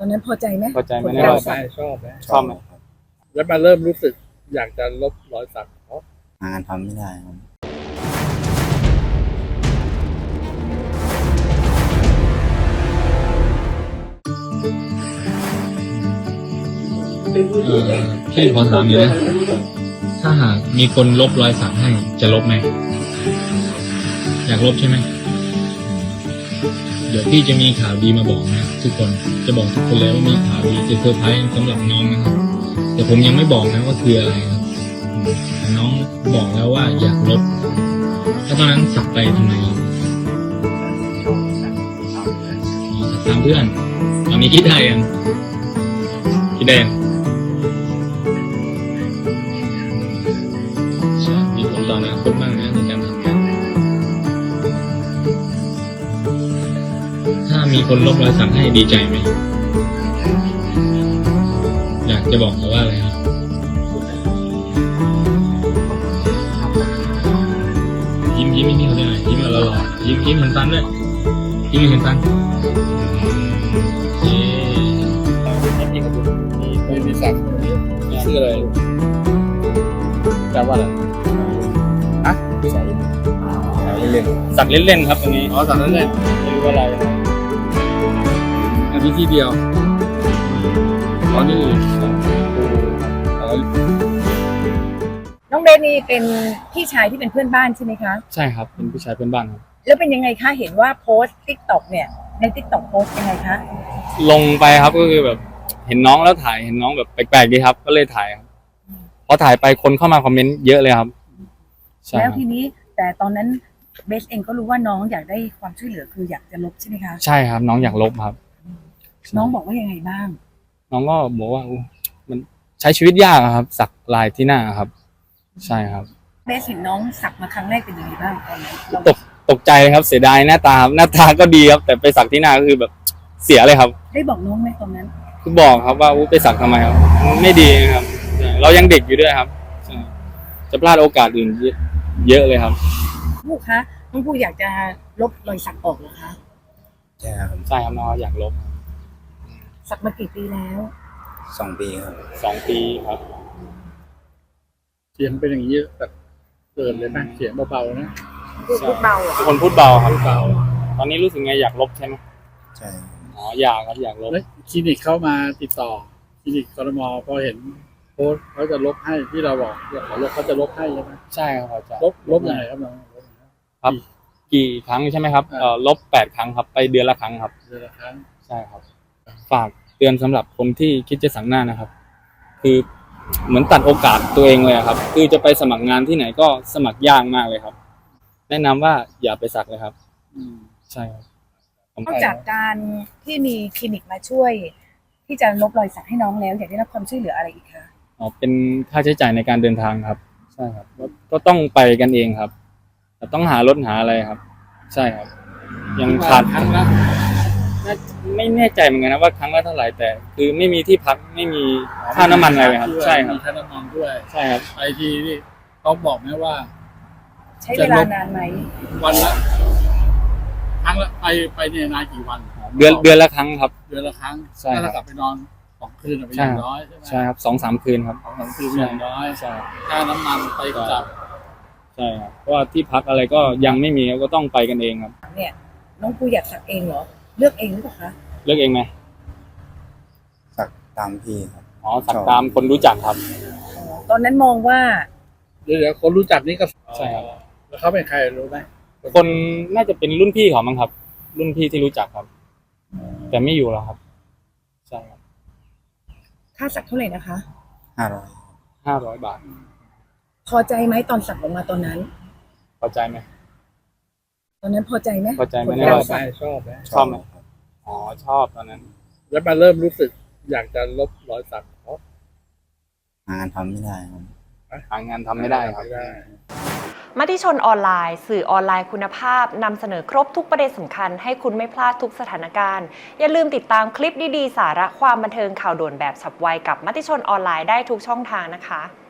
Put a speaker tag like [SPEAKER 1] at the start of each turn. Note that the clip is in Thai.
[SPEAKER 1] อนนั้นพอใจไหม
[SPEAKER 2] พอใจไหม
[SPEAKER 3] ชอบไหมชอบไหม
[SPEAKER 2] ชอบไหม
[SPEAKER 3] แล้วมาเริ่มรู้สึกอยากจะลบรอยสักเพราะ
[SPEAKER 4] หางานทำไม่ได้ครับ
[SPEAKER 5] พี่ขอถามอยู่นะถ้าหากมีคนลบรอยสักให้จะลบไหมอยากลบใช่ไหมเดี๋ยวพี่จะมีข่าวดีมาบอกนะทุกคนจะบอกทุกคนเลยว่ามีข่าวดีจะเซอร์ไพรส์สำหรับน้องนะครับแต่ผมยังไม่บอกนะว่าคืออะไรครับแต่น้องบอกแล้วว่าอยากลบแล้วตอนนั้นสักไปทำไมสักตามเพื่อนตอนนี้คิดได้ยังคิดได้ยังมีผลต่ออนาคตบ้างนะในการทำงานถ้ามีคนลบรอยสักให้ดีใจไหมอยากจะบอกเขาว่าอะไรครับยิ้มนี่เขาได้ไหมยิ้มหล่อๆยิ้มเหมือนฟันด้วยยิ้มเหมือนฟัน
[SPEAKER 3] พี่กระบุนมีสักชื่ออะไรจำว่าอะไรฮะ
[SPEAKER 2] สักเล่นๆครับตรงนี้
[SPEAKER 3] อ๋อสักนั้นเลยไม่รู้อะไรอันนี้ที่เดียวอ๋อนี่
[SPEAKER 1] น้องเบสนี่เป็นพี่ชายที่เป็นเพื่อนบ้านใช่ไหมคะ
[SPEAKER 2] ใช่ครับเป็นผู้ชายเพื่อนบ้านครับ
[SPEAKER 1] แล้วเป็นยังไงคะเห็นว่าโพสต์ TikTok เนี่ยใน TikTok โพสต์ยังไงคะ
[SPEAKER 2] ลงไปครับก็คือแบบเห็นน้องแล้วถ่ายเห็นน้องแบบแปลกๆดีครับก็เลยถ่ายครับพอถ่ายไปคนเข้ามาคอมเมนต์เยอะเลยครับใช่
[SPEAKER 1] แล้ว
[SPEAKER 2] ครับ
[SPEAKER 1] ทีนี้แต่ตอนนั้นเบสเองก็รู้ว่าน้องอยากได้ความช่วยเหลือคืออยากจะลบใช่ไหมคะ
[SPEAKER 2] ใช่ครับน้องอยากลบครับ
[SPEAKER 1] น้องบอกว่ายังไงบ้าง
[SPEAKER 2] น้องก็บอกว่ามันใช้ชีวิตยากอะครับ สักลายที่หน้าครับ ใช่ครับ
[SPEAKER 1] เบสเห็นน้องสักมาครั้งแรกเป็นยังไงบ้างตอนนั้นเรา
[SPEAKER 2] ตกใจเลยครับเสียดายหน้าตาครับหน้าตาก็ดีครับ แต่ไปสักที่หน้าก็คือแบบเสียเลยครับ
[SPEAKER 1] ได้บอกน้องไหมตอนนั้น
[SPEAKER 2] คือบอกครับว่าไปสักทำไมครับไม่ดีครับใช่เรายังเด็กอยู่ด้วยครับใช่จะพลาดโอกาสอื่นเยอะเลยครับ
[SPEAKER 1] ผู้คะน้องผู้อยากจะลบรอยสักออกเหรอคะ
[SPEAKER 4] ใช่ครับ
[SPEAKER 2] ใช่ครับน้องอยากลบ
[SPEAKER 1] สักมากี่ปีแล้ว
[SPEAKER 4] 2 ปีครับ
[SPEAKER 2] 2 ปีครับ
[SPEAKER 3] เสียงเป็นอย่างนี้แบบเกินเลยนะเสียงเบาๆนะ
[SPEAKER 1] พูดเบาเหรอ
[SPEAKER 2] ทุกคนพูดเบาครับ
[SPEAKER 3] เบา
[SPEAKER 2] ตอนนี้รู้สึกไงอยากลบใช่ไหม
[SPEAKER 4] ใช่ครับ
[SPEAKER 2] อ๋ออยากครับอยากลบ
[SPEAKER 3] แล้วคลินิกเข้ามาติดต่อคลินิกกรมพอเห็นโพสต์เขาจะลบให้ที่เราบอกขอลบเขาจะลบให้ใช่ไหม
[SPEAKER 2] ใช่ครับอาจารย์
[SPEAKER 3] ลบยังไงครับน้องลบยังไง
[SPEAKER 2] ครับ กี่ครั้งใช่ไหมครับลบ8 ครั้งครับไปเดือนละครั้งครับ
[SPEAKER 3] เดือนละครั้ง
[SPEAKER 2] ใช่ครับ ฝากเตือนสำหรับคนที่คิดจะสักหน้านะครับ คือเหมือนตัดโอกาสตัวเองเลยครับ คือจะไปสมัครงานที่ไหนก็สมัครยากมากเลยครับ แนะนำว่าอย่าไปสักเลยครับ ใช่ครับ
[SPEAKER 1] นอกจากการที่มีคลินิกมาช่วย ที่จะลบรอยสักให้น้องแล้วอยากได้รับความช่วยเหลืออะไรอีกคะ
[SPEAKER 2] อ๋อเป็นค่าใช้จ่ายในการเดินทางครับ ใช่ครับก็ต้องไปกันเองครับแต่ต้องหารถหาอะไรครับ ใช่ครับ ยังขาด
[SPEAKER 3] ครั้งละ
[SPEAKER 2] ไม่แน่ใจเหมือนกันนะว่าครั้งละเท่าไหร่แต่ คือไม่มีที่พักไม่มีค่าน้ำมันอะไรเลยครับ ใช่ครับ
[SPEAKER 3] มีค่าน้ำมันด้วย
[SPEAKER 2] ใช่ครับ
[SPEAKER 3] ไอทีนี่ต้องบอกไหมว่า
[SPEAKER 1] ใช้เวลานานไหม
[SPEAKER 3] วันละครั้งละไปเนี่ยนานกี่วัน
[SPEAKER 2] เดือนละครั้งครับ
[SPEAKER 3] เดือนละครั้ง
[SPEAKER 2] ใช่ครับ
[SPEAKER 3] ถ้าเรากลับไปนอน2 คืนเป็นอย่างน้อยใช่ไหม
[SPEAKER 2] ใช่ครับ2-3 คืนครับ
[SPEAKER 3] 2-3 คืนเป็นอย่างน้อย
[SPEAKER 2] ใช่ครับ
[SPEAKER 3] ค่าน้ำมันไปกลับ
[SPEAKER 2] ใช่ครับเพราะว่าที่พักอะไรก็ยังไม่มีก็ต้องไปกันเองครับ
[SPEAKER 1] เนี่ยน้องผู้อยากสักเองเหรอเลือกเองหรือเปล่าคะ
[SPEAKER 2] เลือกเองไหม
[SPEAKER 4] สักตามพี่ครับ
[SPEAKER 2] อ๋อสักตามคนรู้จักครับ
[SPEAKER 1] ตอนนั้นมองว่า
[SPEAKER 3] เดี๋ยวคนรู้จักนี่ก็
[SPEAKER 2] ใช่ครับ
[SPEAKER 3] แล้วเขาเป็นใครรู้ไหม
[SPEAKER 2] คนน่าจะเป็นรุ่นพี่เขามั้งครับ รุ่นพี่ที่รู้จักครับ แต่ไม่อยู่แล้วครับ ใช่ครับ
[SPEAKER 1] ค่าสักเท่าไหร่นะคะ
[SPEAKER 4] 500
[SPEAKER 2] 500 บาท
[SPEAKER 1] พอใจไหมตอนสักออกมาตอนนั้น
[SPEAKER 2] พอใจไหม
[SPEAKER 1] ตอนนั้นพอใจไหม
[SPEAKER 2] พอใจไหม
[SPEAKER 1] ผล
[SPEAKER 2] ใน
[SPEAKER 1] การ
[SPEAKER 2] รอย
[SPEAKER 1] สั
[SPEAKER 2] สั
[SPEAKER 1] ก
[SPEAKER 2] ก
[SPEAKER 3] ชอบไหม
[SPEAKER 2] ชอบไหม
[SPEAKER 4] ครับ
[SPEAKER 2] อ๋อชอบตอนนั้น
[SPEAKER 3] แล้วมาเริ่มรู้สึกอยากจะลบรอยสักเพราะ
[SPEAKER 4] หางานทำไม่ได้ครับ
[SPEAKER 2] หางานทำไม่ได้ครับ
[SPEAKER 3] ไม่ได้
[SPEAKER 6] มติชนออนไลน์สื่อออนไลน์คุณภาพนำเสนอครบทุกประเด็นสำคัญให้คุณไม่พลาดทุกสถานการณ์อย่าลืมติดตามคลิปดีๆสาระความบันเทิงข่าวด่วนแบบฉับไวกับมติชนออนไลน์ได้ทุกช่องทางนะคะ